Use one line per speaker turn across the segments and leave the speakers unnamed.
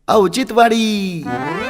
औचित्यवाडी.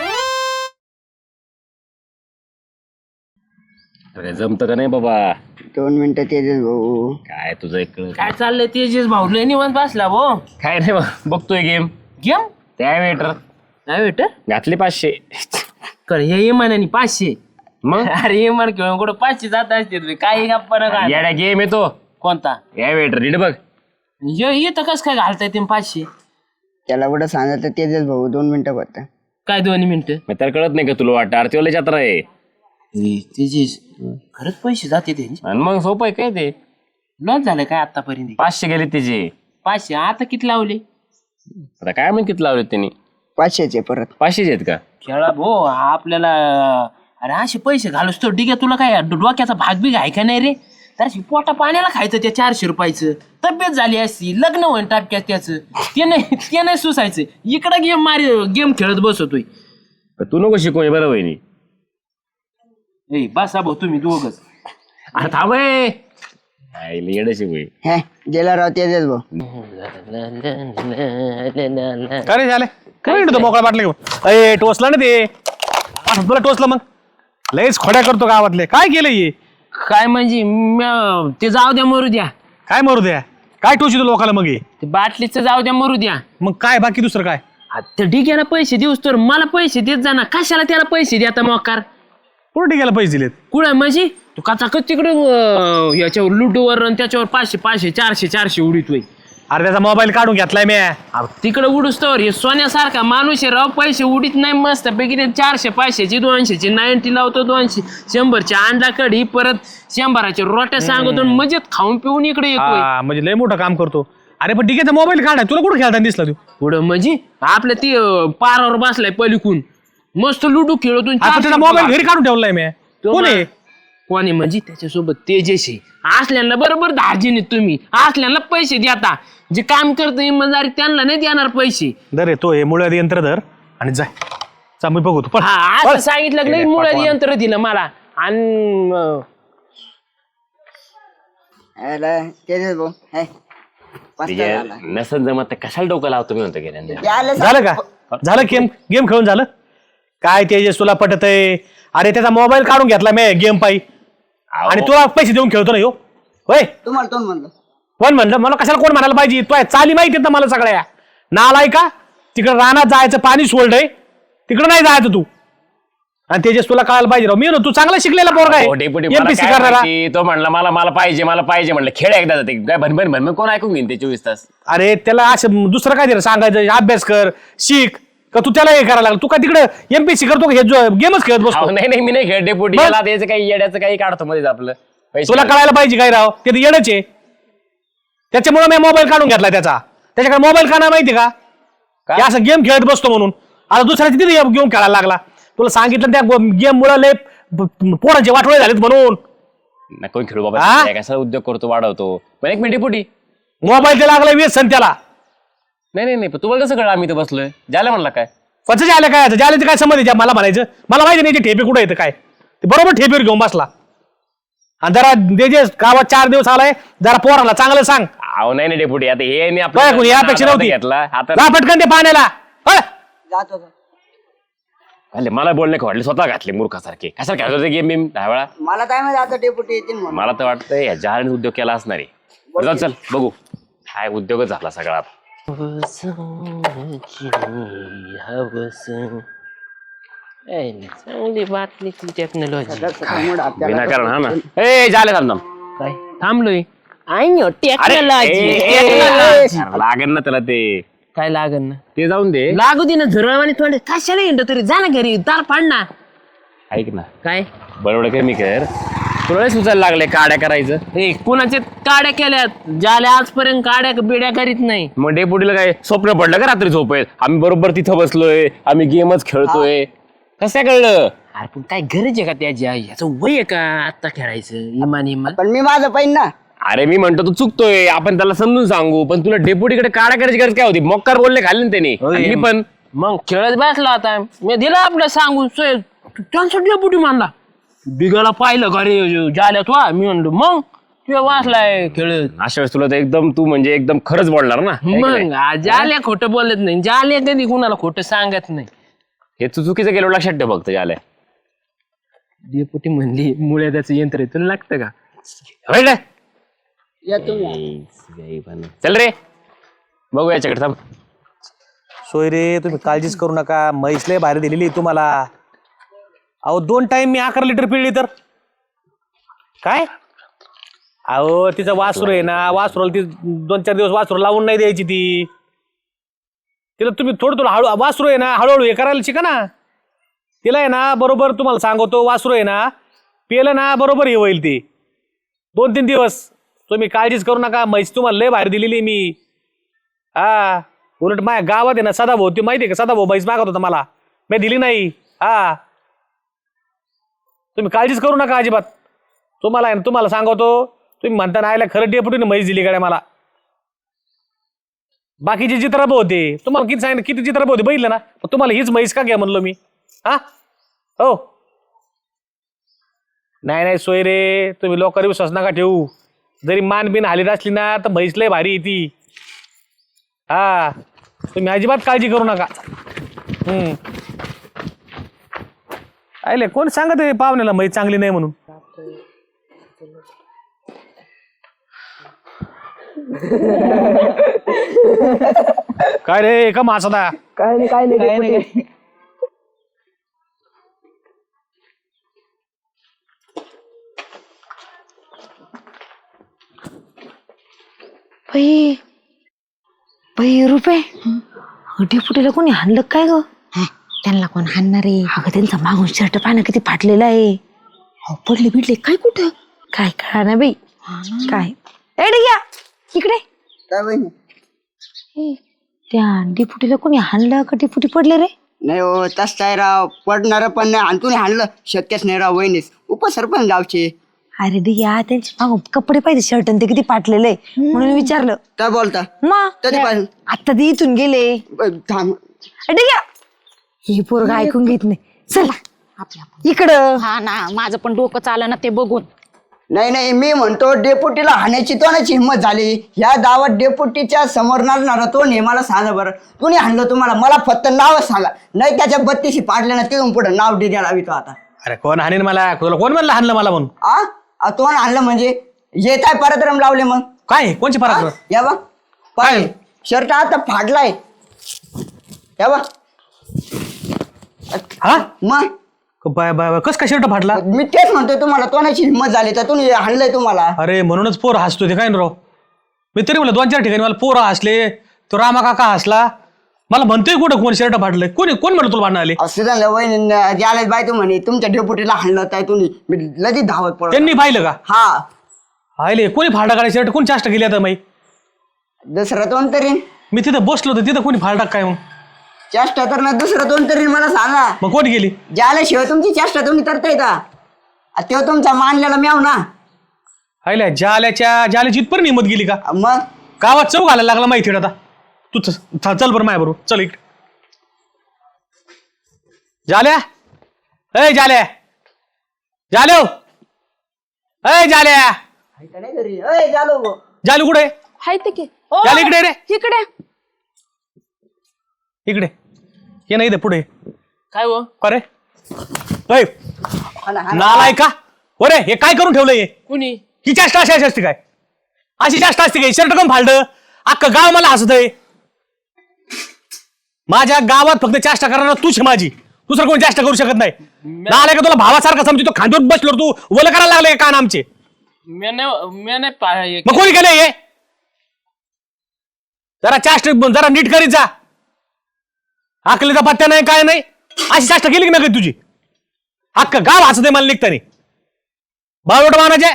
जमत का नाही बाबा?
2 मिनिटं तेजस भाऊ.
काय तुझं एक
काय चाललंय तेजस भाऊ लय निवांत बसला भाऊ.
काय नाही बघतोय गेम.
गेम
त्या वेटर
नाही भेट
घातले 500.
कर हे इमानाने 500.
मग
अरे इमान खेळून कुठं 500 जात असते काही गप्पा ना काय.
येड्या गेम येतो
कोणता
या वेटर नीट बघ.
येतं कस काय घालता येते 500?
त्याला कुठं सांगितलं तेजस भाऊ 2 मिनिटं फक्त.
काय 2 मिनिटं?
मग त्याला कळत नाही का तुला वाटतं आरतीवाला जत्रा आहे
तेजस खरंच पैसे जाते त्यांचे.
आणि मग सोपं आहे काय ते.
लॉस झालं काय आतापर्यंत?
500 गेले त्याचे.
500 आता किती लावले?
आता काय माहिती किती लावले त्यांनी.
500चे परत.
500 आहेत का?
खेळा भाऊ आपल्याला. अरे असे पैसे घालूस तो ठीक आहे. तुला काय डोक्याचा भाग बी आहे का नाही रे? तर पोटा पाण्याला खायचं त्या 400 रुपयाचं. तब्येत झाली असती लग्न होईन टापक्यात त्याचं. ते नाही सुसायचं. इकडं गेम खेळत बसतोय.
तू नको शिकवणे बरं वहिनी.
बसा भाऊ तुम्ही दोघच.
अरे थांब येडे शिकवे.
हे गेला राव तेजस भाऊ.
काय झालं काय तो मोकळा बाटला घेऊन अरे टोचला ना ते. तुला टोचलं मग लयच खोड्या करतो गावातले. काय केलं हे?
काय म्हणजे ते जाऊ द्या मरू द्या.
काय मरू द्या काय टोचितो लोकांना मग हे?
ते बाटलीचं जाऊ द्या मरू द्या.
मग काय बाकी दुसरं काय?
ते डिग्याला पैसे देऊस तर मला पैसे देत जा ना. कशाला त्याला पैसे द्या आता मोकार?
कुठे गेला पैसे दिलेत?
कुठं म्हणजे तू कचाकच तिकडे याच्यावर लुडूवर आणि त्याच्यावर 500 500 400 400 उडीतोय.
अरे त्याचा मोबाईल काढून घेतलाय मी.
तिकडे उडूस तर हे सोन्यासारखा माणूस आहे राव. पैसे उडीत नाही मस्त पैकी. ते 400 500ची 200ची 90 लावतो. 200 100ची अंडा कढी परत 100च्या रोट्या सांगतो मजेत खाऊन पिऊन इकडे येतोय.
म्हणजे लय मोठं काम करतो. अरे पण डिकेचा मोबाईल काढाय तुला कुठं खेळताना दिसला तू?
पुढं म्हणजे आपल्या ती पारावर बसलाय पलिकून मस्त लुडू खेळतो.
त्याचा मोबाईल घरी काढून ठेवलाय मी. कोण आहे?
कोणी म्हणजे त्याच्यासोबत तेजस आहे. असल्याला बरोबर धार्जिन तुम्ही. असल्याला पैसे द्या. जे काम करतो इमानदारी त्यांना नाही देणार पैसे.
दर तो हे मुळात यंत्र धर आणि जाय मी बघू तू.
हा असं सांगितलं नाही. मुळात यंत्र दिलं मला. आणि
तेजस भाऊ हे पस्ता झाला.
नसन जमत तर कशाला डोकं लावतो मी म्हणतो गेल्या.
यायला
झालं का? झालं गेम खेळून झालं काय? तेजस तुला पटत आहे? अरे त्याचा मोबाईल काढून घेतला मी गेम पायी आणि तुला पैसे देऊन खेळतो ना ह्यो होय?
तुम्हाला दोन म्हणलं.
कोण म्हणलं? मला कशाला कोण म्हणायला पाहिजे? तो चाली माहिती ना मला सगळ्या. नालाय का? तिकडे रानात जायचं पाणी सोडलंय तिकडे नाही जायचं तू. आणि तेजस तुला कळायला पाहिजे राव. मी ना तू चांगला शिकलेला पोरगा आहे. MPSC करणारा.
तो म्हणला मला पाहिजे म्हणलं खेळ एकदा जाते काय भन कोण ऐकून घेईन ते 24 तास.
अरे त्याला असं दुसरं काय दिलं सांगायचं? अभ्यास कर शिक का तू त्याला हे करायला लागला? तू काय तिकडे MPSC करतो का? हे गेमच खेळत बसतो.
नाही मी नाही खेळ डेपुटी. याला त्याचं काही येड्याचं काही काढतो मध्ये आपलं.
तुला कळायला पाहिजे काय राव? ते येडच आहे. त्याच्यामुळे मी मोबाईल काढून घेतला त्याचा. त्याच्याकडे मोबाईल का नाही माहिती का? असं गेम खेळत बसतो म्हणून. आता दुसऱ्याची तिथे गेम खेळायला लागला. तुला सांगितलं त्या गेम मुळे लय पोरांचे वाटोळे झालेत म्हणून.
कोण खेळू बाबा कसा उद्योग करतो वाढवतो. पण एक मिनिट डेपुटी
मोबाईल ते लागला व्यसन त्याला.
नाही पण तुम्हाला कसं कळलं? आम्ही तर बसलोय. झालं म्हणला काय?
कसं झालं काय? झालं काय समज आहे मला म्हणायचं? मला माहिती नाही ते ठेपे कुठे येतं काय. ते बरोबर ठेपेवर घेऊन बसला. आणि जरा देजेस गावात 4 दिवस आलाय जरा पोराला चांगलं सांग.
अहो नाही डेपुटी आता हे
यापेक्षा नव्हती
घेतला आता
पटकन ते पाण्याला.
जातो
मला बोलणे वाटले स्वतः घातले मूर्खासारखे. कशाला खेळत होते गेम बिम 10 वेळा.
मला काय माहिती आता डेप्युटी येतील म्हणून.
मला तर वाटतं या जहाने उद्योग केला असणार आहे. चल बघू काय उद्योगच झाला सगळा.
चांगली बाटलीची टेक्नॉलॉजी.
विनाकारण हा ना. ए झाले थांब
काय थांबलोय?
लागेल ना त्याला ते.
काय लागन ना?
ते जाऊन दे.
लागू दे ना झुरळवाणी थोडे. कशाला हिंड तरी जा ना घरी. दार पाड ना.
ऐक ना
काय
बरोबर कर मी कर. तुला सुचायला लागले काड्या करायचं.
हे कुणाचे काड्या केल्यात? ज्याला आजपर्यंत काड्या बिड्या करीत नाही.
मग डेपुटीला काय स्वप्न पडलं का रात्री झोपेत? आम्ही बरोबर तिथं बसलोय आम्ही गेमच खेळतोय. कसं कळलं?
अरे पण काय गरज आहे का त्याची? याचं वय आहे का आता खेळायचं? इमान
पण मी माझं पाहिजे ना.
अरे मी म्हणतो तू चुकतोय. आपण त्याला समजून सांगू पण तुला डेपुटीकडे काड्या करायची गरज काय होती? मोक्कार बोलले खाल्ले ना त्याने. मी पण
मग खेळत बसला होता. मी दिला आपलं सांगून त्यांचा डेपुटी मानला. बिगाला पाहिलं का रे जाल्यात वा? मी म्हणलो मग किंवा वाचलाय खेळत.
अशा वेळेस तुला तर एकदम तू म्हणजे एकदम खरंच बोलणार ना
मग जाल्या खोटं बोलत नाही, जाल्या कधी कुणाला खोटं सांगत नाही.
हे तू चुकीचं गेलो लक्षात ठेव फक्त झालंय.
डेपुटी म्हणली मुळे त्याचं यंत्र तुला लागतं का?
होय ना?
या तुम्ही.
चल रे बघू याच्याकडे थांब.
सोय रे तुम्ही काळजीच करू नका, म्हैस लय भारी दिलेली आहे तुम्हाला. अहो 2 टाइम मी 11 लिटर पिळली तर काय. अहो तिचं वासरू आहे ना, वासरूला ती 2-4 दिवस वासरू लावून नाही द्यायची ती. तिला तुम्ही थोडं हळू, वासरू आहे ना हळूहळू हे करायला शिका ना. तिला आहे ना बरोबर तुम्हाला सांगतो, वासरू आहे ना पिलं ना बरोबर हे होईल ती. 2-3 दिवस तुम्ही काळजीच करू नका, म्हैस तुम्हाला लय भारी दिलेली मी. हा उलट माझ्या गावात आहे ना सदाभाऊ, ती माहिती आहे का, सदाभाऊ म्हैस मागत होता मला, मी दिली नाही. हा तुम्ही काळजीच करू नका अजिबात. तुम्हाला आहे ना, तुम्हाला सांगतो, तुम्ही म्हणता ना आयला खरं डेपुटीने म्हैस दिली गाड्या मला. बाकीचे चित्रप होते तुम्हाला किती सांगितलं, किती चित्रप होते बघितलं ना, तुम्हाला हीच म्हैस का घ्या म्हणलो मी. हा हो नाही सोय रे, तुम्ही लोकांवर विश्वास नका ठेवू. जरी मान बिन हालीत असली ना तर म्हैस लय भारी आहे ती. हा तुम्ही अजिबात काळजी करू नका. आयले कोण सांगत आहे पाहुण्याला म्हैस चांगली नाही म्हणून. काय रे का मासदा.
काय नाही.
रुपये डेपुटीला कोणी हाणलं काय ग. त्यांना कोण हाणणार आहे. अगं त्यांचा मागून शर्ट पाहणं किती फाटलेला आहे. पडले बिडले काय कुठं काय कळा ना बाई. काय घ्या इकडे.
काय बहिणी?
त्या डेपुटीला कोणी हाणलं का डेपुटी पडले रे.
नाही हो तस काय राव, पडणार पण नाही आणि तुम्ही हाणलं शक्यच नाही राव. वहिनीस उपसरपंच गावचे.
अरे दिया त्यांचे मागून कपडे पाहिजे शर्ट ते किती फाटलेले म्हणून विचारलं.
काय बोलता?
मग
कधीपासून?
आता ते इथून गेले.
थांब.
घ्या ही पोरग ऐकून घेत नाही. चला इकडं.
हा ना माझं पण डोकं चालं ना ते बघून.
नाही मी म्हणतो डेपुटीला हाणायची तोंडाची हिंमत झाली. ह्या गावात डेपुटीच्या समोर नाचणारा तो नाही. मला सांगा बरं कुणी हाणलं तुम्हाला? मला फक्त नावच सांगा. नाही त्याच्या 32 पाडले ना तिथून पुढे नाव डिग्या लावी तो आता.
अरे कोण हाणेन मला, तुला कोण म्हणलं हाणलं मला म्हणून.
तोंड हाणलं म्हणजे येत आहे पराक्रम लावले मग
काय कोणचे पराक्रम.
या बा पाय शर्ट आता फाडलाय. या बा
हा
मग
कस काय शर्ट फाटला.
मी तेच म्हणतोय तुम्हाला तोंडाची हिंमत झाली तर तुम्ही हाणलंय तुम्हाला.
अरे म्हणूनच पोर हसतो ते काय ना राव. मी तरी म्हणलं 2-4 ठिकाणी मला पोरं हसले, तो रामा काका हसला. मला म्हणतोय कुठं कोण शर्ट फाटलंय, कोण म्हणलं तुला भांडण आले.
असं वहिनी ज्याला बाय तू म्हणे तुमच्या डेपुटीला हाणलं काय तुम्ही. मी लगेच धावत पडलो.
त्यांनी पाहिलं का.
हा
आले कोणी फाडा काढाय शर्ट, कोण चाष्ट केली आता माई.
दुसरा तोंड तरी
मी तिथं बसलो होतो, तिथं कोणी फाडा काय मग.
चेष्टा तर ना दुसरं तोंड तरी मला सांगा.
मग कोण गेली.
ज्याला शिवाय तुमची चेष्टा तुम्ही करता येता तेव्हा तुमचा मानलेला म्याव ना.
आयल्या जाल्याची इथपर्यंत हिंमत गेली का.
मग
गावात चौक घालायला लागला माहिती आता. तू चल बरं माझ्या बरोबर चल इकडे. जाल्या ए जाल्या जालो ए जाल्या
नाही घरी. अय झालो गो.
जालू कुठे.
हाय ते की
जाले इकडे रे.
इकडे
इकडे ये नाही पुढे.
काय हो
अरे नालाय का. अरे हे काय करून ठेवलंय.
कुणी
ही चेष्टा अशी असते काय. अशी चेष्टा असते काय. शर्ट कम फालतं अख्खं गाव मला हसत आहे. माझ्या गावात फक्त चेष्टा करणार तूच माझी, दुसरं कोणी चेष्टा करू शकत नाही. नालाय का तुला भावासारखा समजतो. खांद्यावर बसलो तू वल करायला लागले कान आमचे.
मी नाही
मग कोणी केलं हे. जरा चेष्टा जरा नीट करीत जा. आकलीचा पत्त्या नाही काय नाही. अशी चेष्टा केली की नाही तुझी. अख्खं गाव हसत आहे मला निघतानी. बावट मानाचे.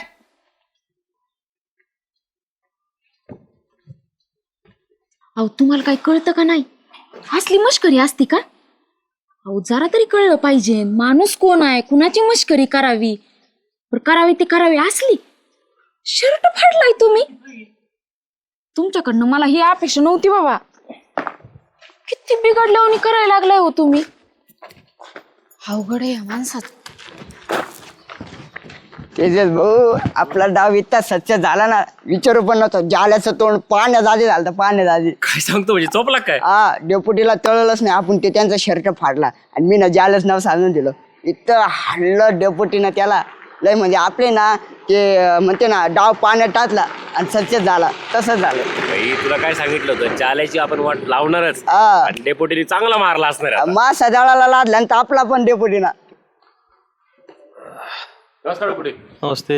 अहो तुम्हाला काय कळतं का नाही. असली मस्करी असती का. अहो जरा तरी कळलं पाहिजे माणूस कोण आहे, कुणाची मस्करी करावी करावी ते करावी. असली शर्ट फाडलाय तुम्ही. तुमच्याकडनं मला ही अपेक्षा नव्हती बाबा. किती बिघडल्यावर करायला लागलाय हो तुम्ही. अवघड आहे या माणसात.
तेजस भाऊ आपला डाव इतका सच्च झाला ना विचारू पण नव्हतं जाल्याचं तोंड पाण्यात आधी झालं पाण्यात आधी.
काय सांगतो म्हणजे चोपला काय?
हा डेपुटीला तळलंच नाही आपण ते त्यांचा शर्ट फाडला आणि मी ना जालच नाव सांगून दिलं. इतकं हाणलं डेपुटीनं त्याला लय म्हणजे आपले ना ते म्हणते ना डाव पाण्यात टाकला आणि सच्च झाला तसंच झालं.
भाई तुला काय सांगितलं होतं चालायची आपण वाट लावणारच
हा.
आणि डेपोटीने चांगला मारला असणार आता.
मासा जाळाला लादला आणि तापला पण डेपुटीना.
नमस्कार डेपुटी.
नमस्ते.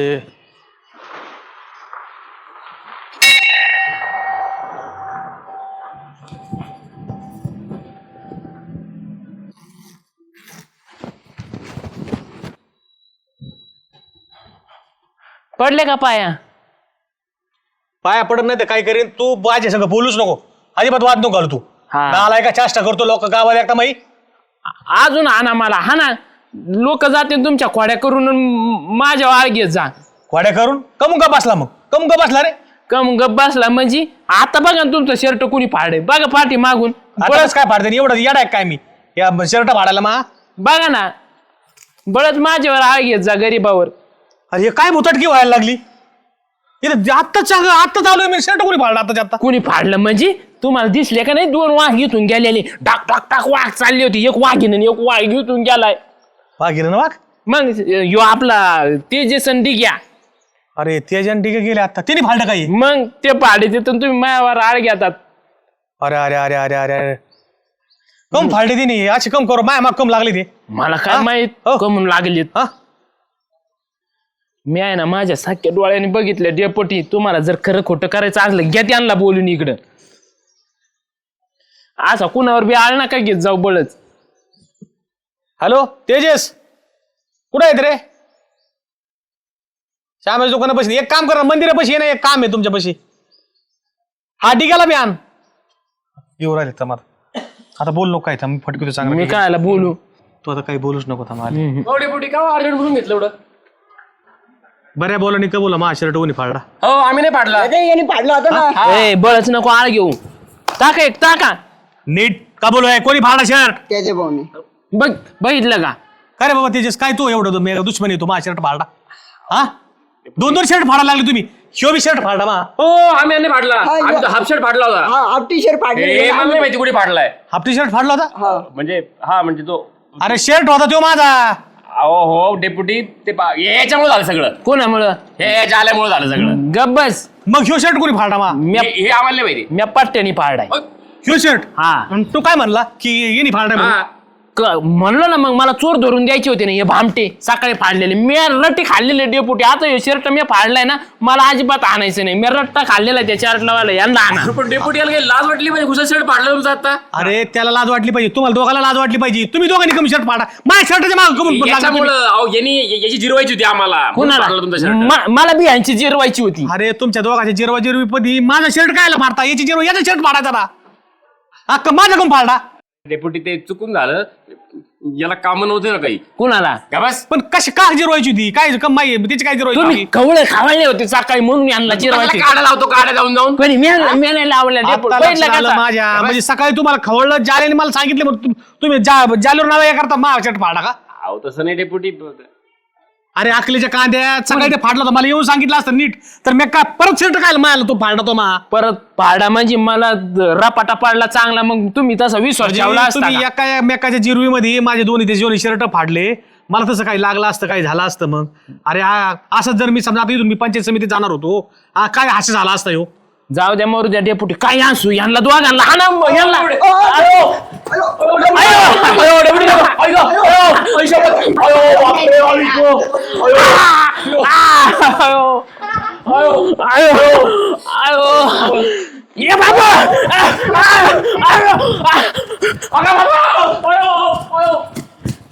पडले का पाया?
पाया पडत नाही तर काय करीन तू माझ्या संग बोलूच नको अजिबात वाद नको घालू तू.
हा.
नालाय का चेष्टा करतो लोक गावात एकटा माई.
अजून हाना मला हाना. लोक जाते तुमच्या खोड्या करून माझ्या आळ घेत जा.
वाड्या करून कमून का बसला मग कमून का बसला रे.
कम गप बसला म्हणजे आता बघा ना तुमचं शर्ट कोणी फाडे बघा पाठी मागून.
बळच काय फाडते एवढं येडा आहे काय मी या शर्ट फाडायला मा.
बघा ना बळच माझ्यावर आळ घेत जा गरीबावर.
अरे हे काय भुतटकी व्हायला लागली इथे आत्ताच आत्ता चालू आहे मी शर्ट कोणी फाडला आत्ताच्या आत्ता.
कोणी फाडलं म्हणजे तुम्हाला दिसले का नाही 2 वाघ इथून गेलेले डाक टाक टाक वाघ चालली होती. एक वाघीन आणि एक वाघ इथून गेलाय.
वाघ गेलं ना वाघ.
मग यो आपला तेजसन डिग्या.
अरे ते जण ठीक गेले आता तिने फाडलं काही.
मग ते पाडे तिथून तुम्ही मायावर आळ घेतात.
अरे अरे अरे अरे अरे अरे कम फाडले तिने अशी कम करू माया माग कम लागली ते.
मला काय
हा?
माहित
हो.
कमून लागलीत.
हा
मी आहे ना माझ्या साख्या डोळ्याने बघितलं डेपोटी. तुम्हाला जर खरं खोटं करायचं असलं घ्या त्यांना बोलून इकडं. असा कुणावर बी आळ नका घेत जाऊ बळच.
हॅलो तेजस कुठं आहेत रे. श्यामेश दुकानापाशी एक काम करा मंदिरापाशी ये ना एक काम आहे तुमच्यापाशी. हा डिग्याला बी आण. येऊ राहिले थांब आता बोल नको काय थांब फटकतो
मी
चांगलं.
कायला बोलू.
तू आता काही बोलूच नको थांब.
डेपुटी का अर्जंट बोलून घेतलं एवढं?
बऱ्या बोला का बोला मा शर्ट कोणी फाडला.
हो आम्ही नाही पाडला.
अरे यांनी फाडला होता ना.
ए बळच नको आळ घेऊ. टाका एक टाका.
नीट का बोलू आहे कोणी फाडला शर्ट.
त्याचे भाऊनी
बघ बघितलं का.
काय रे बाबा तेजस काय तू एवढं मेगा दुश्मन येतो मा शर्ट फाडला. हा 2 शर्ट फाडायला लागले तुम्ही. शो बी शर्ट फाडला मा.
हो आम्ही नाही पाडला.
हा,
आम्ही तर हाफ शर्ट फाडला होता.
हा हाफ टी शर्ट
हे मला नाही
फाडले.
माहिती कुठे फाडलाय.
हाफ टी शर्ट फाडला होता.
म्हणजे हा म्हणजे तो
अरे शर्ट होता तो माझा.
अहो हो डेपुटी ते याच्यामुळे झालं सगळं.
कोणामुळं.
हे जाल्यामुळे झालं सगळं.
गब्बस.
मग ह्यो शर्ट कोणी फाडला मा.
हे आम्हाला नाही माहिती.
म्या पट्ट्याने पाडाय.
ह्यो शर्ट.
हा
आणि तो काय म्हणला की येणी फाडलाय म्हणून?
हा.
म्हणलं ना मग मला चोर धरून द्यायचे होते ना हे भामटे सकाळी फाडलेले. मी रट्टे खाल्लेले डेपुटी. आता हे शर्ट मी फाडलाय ना मला अजिबात आणायचं नाही. मी रट्टा खाल्लेला त्या शर्टला यांना आणा.
पण डेपुटी याला काही लाज वाटली पाहिजे. घुसा शर्ट फाडला तुमचा आता.
अरे त्याला लाज वाटली पाहिजे तुम्हाला दोघांना लाज वाटली पाहिजे. तुम्ही दोघांनी कमी शर्ट फाडा माझ्या शर्टाच्या मागे कमून लागला तुम्ही?
याच्यामुळं अहो यांनी याची जिरवायची होती आम्हाला. म्हणून
कुणाला
फाडला तुमचा शर्ट.
मला बी यांची जिरवायची होती.
अरे तुमच्या दोघांच्या जिरवा जिरवी पदी माझा शर्ट कायला फाडता याची जिरवा याचा शर्ट फाडायचा ना. हा माझा कम फाडला.
डेपुटी ते चुकून झालं. याला काम नव्हते ना काही.
कुणाला.
का बस
पण कशी का जिरवायची होती काय कमाई त्याची काय जिरवायची
तुम्ही
होती?
कवळे खावायले होते सकाळी म्हणून यांना जिरवायची.
काढा लावतो काढा जाऊन जाऊन.
पण मी नाही लावल्या डेपुटी.
आता
पहिलं
लक्षात आलं
कसा?
माझ्या म्हणजे सकाळी तुम्हाला खवळलं जालेने मला सांगितलं मग तुम्ही जालूर नाव या करता माझा शर्ट फाडा का.
अहो तसं नाही डेपुटी.
अरे अकलीच्या कांद्यात सकाळी ते फाडला होता मला येऊन सांगितलं असतं नीट तर मी काय परत शर्ट काय मायला तो फाडला तो मा.
परत पाडा म्हणजे मला रपाटा पाडला चांगला. मग तुम्ही तसा विश्वास ठेवला असता
तुम्ही
का?
एका मेकाच्या जिरवीमध्ये माझे दोन्ही शर्ट फाडले. मला तसं काही लागलं असतं काही झालं असतं मग. अरे असंच जर मी समजा आता इथून मी पंचायत समितीत जाणार होतो काय असं झालं असतं हो.
जाऊ द्या मरू द्या डेपुटी. काय असू यांना दोघांना हाना यांना. ये बाबा